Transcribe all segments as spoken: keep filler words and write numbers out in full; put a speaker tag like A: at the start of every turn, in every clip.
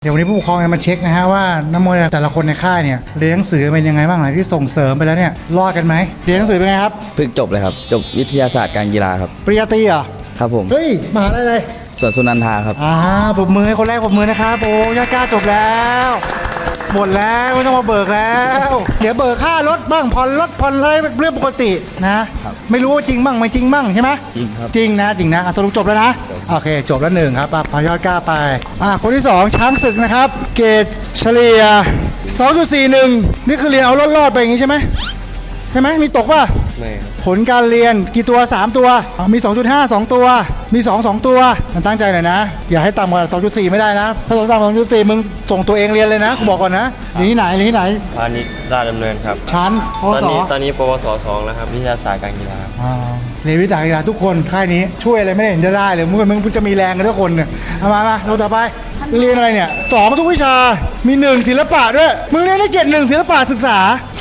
A: เดี๋ยววันนี้ผู้ปกครองจะมาเช็คนะฮะว่านักมวยแต่ละคนในค่ายเนี่ยเรียนหนังสือเป็นยังไงบ้างหลังที่ส่งเสริมไปแล้วเนี่ยรอดกันไหมเรียนหนังสือเป็นไงครับ
B: เพิ่งจบเลยครับจบวิทยาศาสตร์การกีฬาครับ
A: ปริญญาตรีเหรอ
B: ครับผม
A: เฮ้ยมหาอะไรเลย
B: สวนสุนันทาครับ
A: อ่าปรบมือให้คนแรกปรบมือนะครับโอ้ยอดกล้าจบแล้วหมดแล้วไม่ต้องมาเบิกแล้วเดี๋ยวเบิกค่ารถบ้างผ่อนรถผ่อนอะไรเรื่องปกตินะไม่รู้ว่าจริงบ้างไม่จริงบ้างใช่ไหม
B: จริงครับ
A: จริงนะจริงนะอ่ะตกลงจบแล้วนะโอเคจบแล้วหนึ่งครับพายอดกล้าไปอ่ะคนที่สองช้างศึกนะครับเกรดเฉลี่ย สองจุดสี่หนึ่ง นี่คือเรียนเอารอดๆไปอย่างงี้ใช่ไหมใช่ไหมมีตกป่ะ
B: ไม่ครับ
A: ผลการเรียนกี่ตัวสามตัวมี สองจุดห้า สองตัวมีสอง สองตัวมันตั้งใจหน่อยนะอย่าให้ต่ำกว่า สองจุดสี่ ไม่ได้นะถ้าต่ำกว่า สองจุดสี่ มึงส่งตัวเองเรียนเลยนะกูบอกก่อนนะเรียนที่ไหนเรียนที่ไหน
C: พาณิชย์ราชดำเนินครับ
A: ชั้น
C: ตอนนี้ตอนนี้ปวสสองแล้วครับวิทยาศาสตร์การกีฬา
A: เรียนวิทยาศาสตร์การกีฬาทุกคนค่ายนี้ช่วยอะไรไม่ได้เห็นจะได้เลยมึงมึงจะมีแรงกันทุกคนเนี่ยเอามามาเราต่อไปเรียนอะไรเนี่ยสองทุกวิชามีหนึ่งศิลปะด้วยมึงเรียนได้เจ็ดหนึ่งศิลปะศึกษา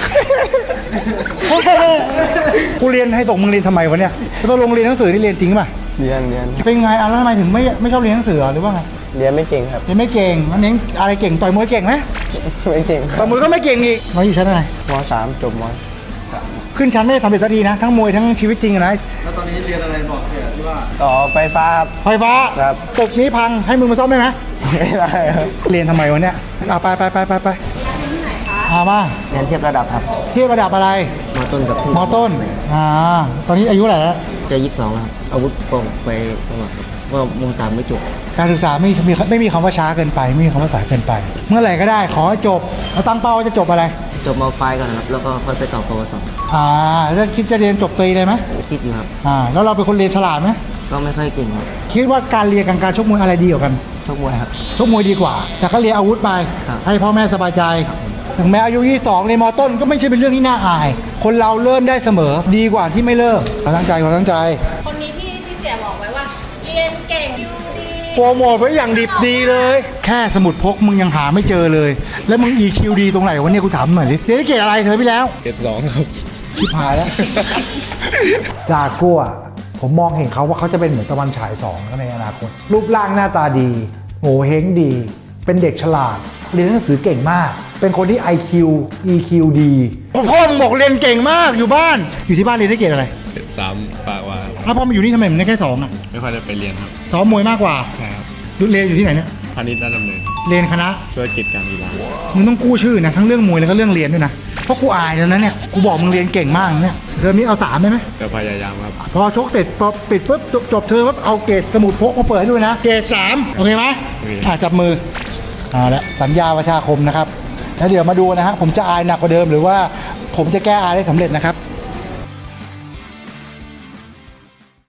A: กูเรียนให้ส่งมึงเรียนทำไมวะเนี่ยต้องลงเรียนหนังสือนี่เรียนจริงป่ะ
C: เรียนเรียน
A: เป็นไงอ่ะแล้วทำไมถึงไม่ไม่ชอบเรียนหนังสือหรือว่าไง
C: เรียนไม่เก่งครับ
A: เรียนไม่เก่งมันเน้นอะไรเก่งต่อยมวยเก่งไหม
C: ไม่เก่ง
A: ต่อยมวยก็ไม่เก่งอีกมาอยู่ชั้นอะไร
C: มสามจบม
A: ขึ้นชั้นไม่ได้สำเร็จสักทีนะทั้งมวยทั้งชีวิตจริงนะ
C: แล้วตอนนี้เรียนอะไรบอกเสียที่ว่าต่อไฟฟ้า
A: ไฟฟ้า
C: ครับ
A: ตึกนี้พังให้มึงมาซ่อมได้ไหม
C: ไม่ได้ครับ
A: เรียนทำไมวะเนี่ยเอาไปไปไปไปไปอามา
C: เรียนเทียบระดับครับ
A: เทียบระดับอะไร
C: มต้นกับ
A: มต้นอ่าตอนนี้อายุเท่าไหร่แล้ว
C: จะยี่สิบสองแล้วครับอาวุธกองไปสมัครว่ามสามไม่จบ
A: การศึกษาไม่มีไม่มีคำว่าช้าเกินไปไม่มีคำว่าสายเกินไปเมื่อไหร่ก็ได้ขอให้จบเราตั้งเป้าว่าจะจบอะไร
C: จบมปลายก่อนครับแล้วก็ค่อยไปต่อปวส
A: อ่าแล้วคิดจะเรียนจบตรีเลยไหม
C: คิดอยู่ครับ
A: อ่าแล้วเราเป็นคนเรียนฉลาดไหม
C: ก็ไม่ค่อยเก่งครับ
A: คิดว่าการเรียนกับการชกมวยอะไรดีกว่ากัน
C: ชกมวยครับ
A: ชกมวยดีกว่าแต่ก็เรียนอาวุธไปให้พ่อแม่สบายใจถึงแม้อายุยี่สิบสองในมต้นก็ไม่ใช่เป็นเรื่องที่น่าอายคนเราเริ่มได้เสมอดีกว่าที่ไม่เริ่มขอตั้งใจขอตั้งใจ
D: คนนี้พี่ที่เสียบอกไว้ว่าเรียนเก่งอยู่ดี
A: โปรโมทไว้อย่างดิบดีเลยแค่สมุดพกมึงยังหาไม่เจอเลยแล้วมึง อี คิว ดีตรงไหนวะเนี่ยกูถามหน่อยดิเรียนเกรดอะไรเธอพี่แล้ว
C: เกรดสองครับ
A: ชิบหายแล้วจากัวผมมองเห็นเขาว่าเขาจะเป็นเหมือนตะวันฉายสองในอนาคตรูปร่างหน้าตาดีโง่เฮงดีเป็นเด็กฉลาดเรียนหนังสือเก่งมากเป็นคนที่ ไอ คิว อี คิว ดีพ่อมึงบอกเรียนเก่งมากอยู่บ้านอยู่ที่บ้านเรียนได้เกรดอะไร
E: เกรดสามปากว่า
A: แล้วพอมาอยู่นี่ทำไมมึงได้แค่สองอ่ะ
E: ไม่ค่อยได้ไปเรียนครับ
A: ซ้อมมวยมากกว่า
E: ใช่ครับ
A: เรียนอยู่ที่ไหนเนี่ย
E: พาณิชย์ราชดำเนิน
A: เรียนคณะ
E: ธุรกิจการกีฬา
A: มึงต้องกู้ชื่อนะทั้งเรื่องมวยแล้วก็เรื่องเรียนด้วยนะเพราะกูอายแล้วนะเนี่ยกูบอกมึงเรียนเก่งมากเนี่ยเทอมนี้เอาสามได้ไหม
E: จะพยายามครับ
A: พอชกเสร็จพอปิดปุ๊บจบเทอมปุ๊บเอาเกรดสมุดพกมาเปิดให้ด้วยนะเกรดสามโอเคไหมอ่ะจับมือเอาละสัญญาประชาคมนะครับแล้วเดี๋ยวมาดูนะฮะผมจะอายหนักกว่าเดิมหรือว่าผมจะแก้อายได้สำเร็จนะครับ